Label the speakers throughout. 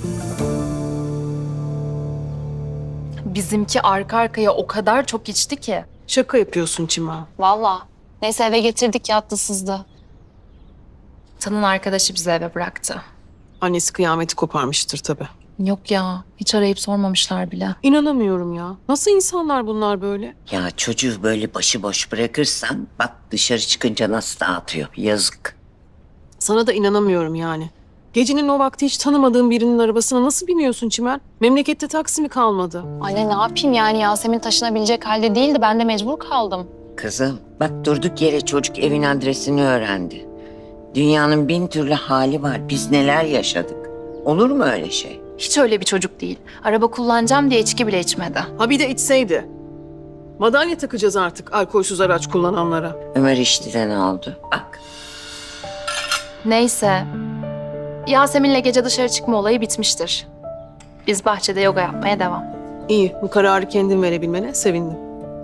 Speaker 1: Bizimki arka arkaya o kadar çok içti ki.
Speaker 2: Şaka yapıyorsun Çimen.
Speaker 3: Vallahi. Neyse eve getirdik yattı sızdı.
Speaker 1: Tanın arkadaşı bizi eve bıraktı.
Speaker 2: Annesi kıyameti koparmıştır tabii.
Speaker 1: Yok ya, hiç arayıp sormamışlar bile.
Speaker 2: İnanamıyorum ya. Nasıl insanlar bunlar böyle?
Speaker 4: Ya çocuğu böyle başıboş bırakırsan bak dışarı çıkınca nasıl dağıtıyor. Yazık.
Speaker 2: Sana da inanamıyorum yani. Gecenin o vakti hiç tanımadığın birinin arabasına nasıl biniyorsun Çimen? Memlekette taksi mi kalmadı?
Speaker 3: Anne ne yapayım yani Yasemin taşınabilecek halde değildi. Ben de mecbur kaldım.
Speaker 4: Kızım bak durduk yere çocuk evin adresini öğrendi. Dünyanın bin türlü hali var. Biz neler yaşadık. Olur mu öyle şey?
Speaker 1: Hiç öyle bir çocuk değil. Araba kullanacağım diye içki bile içmedi.
Speaker 2: Ha bir de içseydi. Madalya takacağız artık alkolsüz araç kullananlara.
Speaker 4: Ömer içti de ne oldu? Bak.
Speaker 1: Neyse. Yasemin'le gece dışarı çıkma olayı bitmiştir. Biz bahçede yoga yapmaya devam.
Speaker 2: İyi, bu kararı kendin verebilmene sevindim.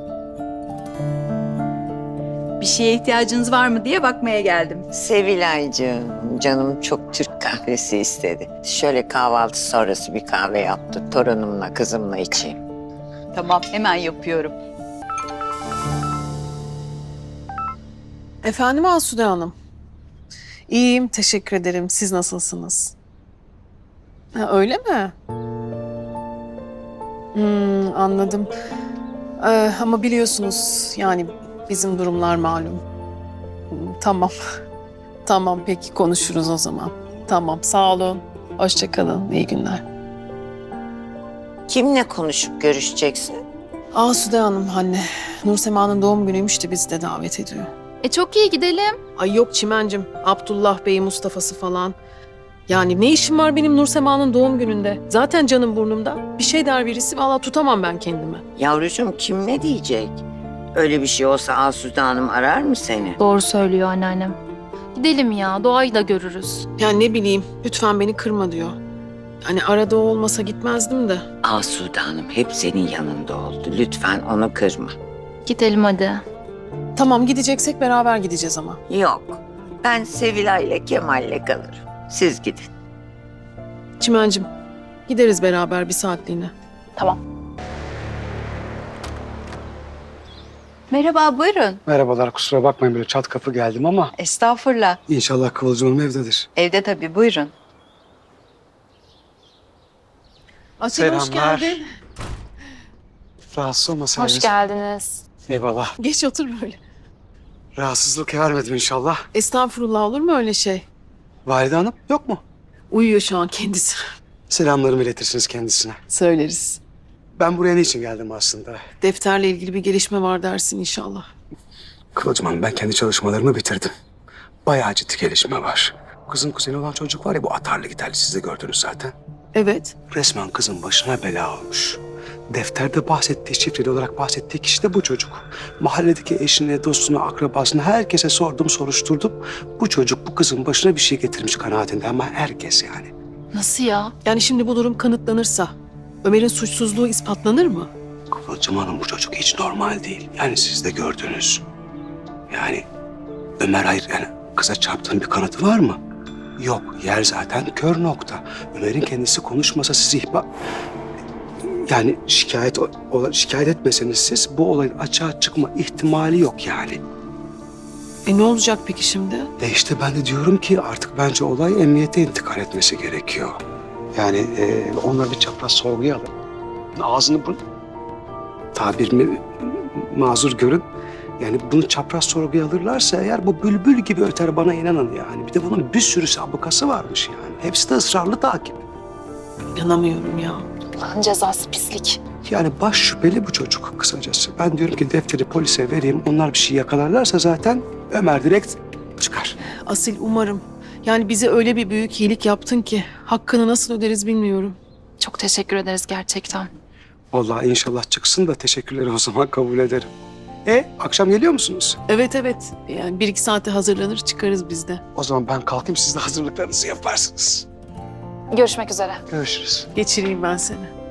Speaker 5: Bir şeye ihtiyacınız var mı diye bakmaya geldim.
Speaker 4: Sevilaycığım, canım çok Türk kahvesi istedi. Şöyle kahvaltı sonrası bir kahve yaptı. Torunumla, kızımla içeyim.
Speaker 5: Tamam, hemen yapıyorum.
Speaker 2: Efendim Asude Hanım. İyiyim, teşekkür ederim. Siz nasılsınız? Ha, öyle mi? Anladım. Ama biliyorsunuz yani bizim durumlar malum. Tamam. Tamam, peki konuşuruz o zaman. Tamam, sağ olun. Hoşça kalın, iyi günler.
Speaker 4: Kimle konuşup görüşeceksin?
Speaker 2: Asude Hanım anne. Nursema'nın doğum günüymüş de bizi de davet ediyor.
Speaker 1: Çok iyi gidelim.
Speaker 2: Ay yok Çimencim, Abdullah Bey, Mustafa'sı falan. Yani ne işim var benim Nursema'nın doğum gününde? Zaten canım burnumda. Bir şey der birisi, vallahi tutamam ben kendimi.
Speaker 4: Yavrucuğum kim ne diyecek? Öyle bir şey olsa Asude Hanım arar mı seni?
Speaker 1: Doğru söylüyor anneannem. Gidelim ya, doğayı da görürüz.
Speaker 2: Yani ne bileyim, lütfen beni kırma diyor. Hani arada o olmasa gitmezdim de.
Speaker 4: Asude Hanım hep senin yanında oldu. Lütfen onu kırma.
Speaker 1: Gidelim hadi.
Speaker 2: Tamam, gideceksek beraber gideceğiz ama.
Speaker 4: Yok. Ben Sevilay'la Kemal'le kalırım. Siz gidin.
Speaker 2: Çimencim, gideriz beraber bir saatliğine.
Speaker 3: Tamam.
Speaker 5: Merhaba, buyurun.
Speaker 6: Merhabalar, kusura bakmayın böyle çat kapı geldim ama
Speaker 5: Estağfurullah.
Speaker 6: inşallah Kıvılcım Hanım evdedir.
Speaker 5: Evde tabii, buyurun.
Speaker 2: Asil hoş
Speaker 6: Selamlar.
Speaker 2: geldin.
Speaker 6: Rahatsız olmasaydınız.
Speaker 1: Hoş geldiniz.
Speaker 6: Eyvallah.
Speaker 2: Geç otur böyle.
Speaker 6: Rahatsızlık vermedim inşallah.
Speaker 2: Estağfurullah, olur mu öyle şey?
Speaker 6: Valide Hanım yok mu?
Speaker 2: Uyuyor şu an kendisi.
Speaker 6: Selamlarımı iletirsiniz kendisine.
Speaker 2: Söyleriz.
Speaker 6: Ben buraya niçin geldim aslında?
Speaker 2: Defterle ilgili bir gelişme var dersin inşallah.
Speaker 6: Kıvılcım Hanım, ben kendi çalışmalarımı bitirdim. Bayağı ciddi gelişme var. Kızın kuzeni olan çocuk var ya, bu atarlı giderli, siz de gördünüz zaten.
Speaker 2: Evet.
Speaker 6: Resmen kızın başına bela olmuş. Defterde bahsettiği, şifreli olarak bahsettiği kişi de bu çocuk. Mahalledeki eşine, dostuna, akrabasına herkese sordum, soruşturdum. Bu çocuk bu kızın başına bir şey getirmiş kanaatinde ama herkes yani.
Speaker 1: Nasıl ya?
Speaker 2: Yani şimdi bu durum kanıtlanırsa Ömer'in suçsuzluğu ispatlanır mı?
Speaker 6: Kıvılcım Hanım, bu çocuk hiç normal değil. Yani siz de gördünüz. Yani Ömer hayır yani kıza çarptığın bir kanıtı var mı? Yok, yer zaten kör nokta. Ömer'in kendisi konuşmasa sizi yani şikayet etmeseniz siz bu olayın açığa çıkma ihtimali yok yani.
Speaker 2: Ne olacak peki şimdi?
Speaker 6: İşte ben de diyorum ki artık bence olay emniyete intikal etmesi gerekiyor. Yani onları bir çapraz sorguya alın. Ağzını bu tabirimi mazur görün. Yani bunu çapraz sorguya alırlarsa eğer bu bülbül gibi öter, bana inanın yani. Bir de bunun bir sürü sabıkası varmış yani. Hepsi de ısrarlı takip.
Speaker 2: İnanamıyorum ya.
Speaker 1: Allah'ın cezası pislik.
Speaker 6: Yani baş şüpheli bu çocuk kısacası. Ben diyorum ki defteri polise vereyim. Onlar bir şey yakalarlarsa zaten Ömer direkt çıkar.
Speaker 2: Asil umarım. Yani bize öyle bir büyük iyilik yaptın ki hakkını nasıl öderiz bilmiyorum.
Speaker 1: Çok teşekkür ederiz gerçekten.
Speaker 6: Vallahi inşallah çıksın da teşekkürleri o zaman kabul ederim. Akşam geliyor musunuz?
Speaker 2: Evet evet. Yani 1-2 saate hazırlanır çıkarız biz de.
Speaker 6: O zaman ben kalkayım, siz de hazırlıklarınızı yaparsınız.
Speaker 1: Görüşmek üzere.
Speaker 6: Görüşürüz.
Speaker 2: Geçireyim ben seni.